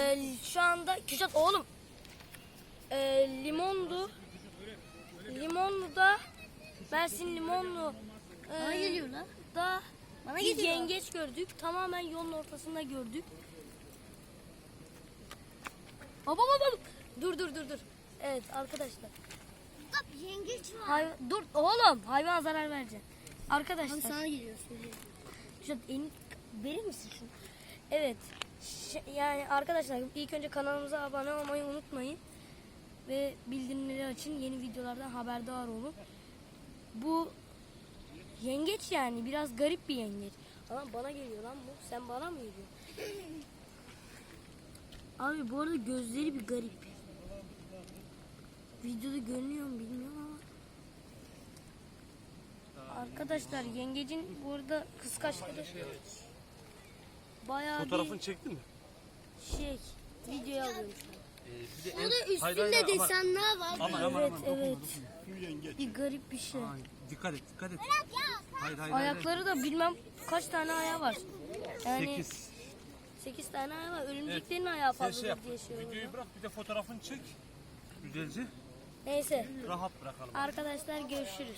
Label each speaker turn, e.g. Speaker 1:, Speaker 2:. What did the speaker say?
Speaker 1: Şu anda Kürşat oğlum. Limonlu da Mersin Limonlu
Speaker 2: Bana geliyor lan.
Speaker 1: da
Speaker 2: Bana
Speaker 1: bir
Speaker 2: geliyor.
Speaker 1: yengeç gördük. Tamamen yolun ortasında gördük. Baba. Dur. Evet arkadaşlar.
Speaker 2: Bak yengeç var.
Speaker 1: Dur oğlum, hayvan zarar verecek. Arkadaşlar.
Speaker 2: Abi sana geliyor söyleyeyim.
Speaker 1: Kürşat verir misin şunu? Evet. Yani arkadaşlar ilk önce kanalımıza abone olmayı unutmayın. Ve bildirimleri açın. Yeni videolardan haberdar olun. Bu yengeç yani biraz garip bir yengeç. Ama bana geliyor lan bu. Sen bana mı geliyorsun? Abi bu arada gözleri bir garip. Videoda görünüyor mu bilmiyorum ama. Arkadaşlar yengecin bu arada kıskaçları bayağı
Speaker 3: Fotoğrafını çektin mi?
Speaker 1: bir videoya alıyorum şu an.
Speaker 2: Burada üstünde desenler var.
Speaker 1: Evet. Bir garip bir şey.
Speaker 3: Dikkat et. Hayır.
Speaker 1: Ayakları da bilmem kaç tane ayağı var. Yani
Speaker 3: 8.
Speaker 1: 8 tane ayağı var. Örümceklerin ayağı
Speaker 3: Sen
Speaker 1: fazla
Speaker 3: şey yap.
Speaker 1: diye şey
Speaker 3: Videoyu
Speaker 1: oluyor.
Speaker 3: bırak, bir de fotoğrafını çek. Güzelce.
Speaker 1: Neyse
Speaker 3: Rahat bırakalım.
Speaker 1: arkadaşlar görüşürüz.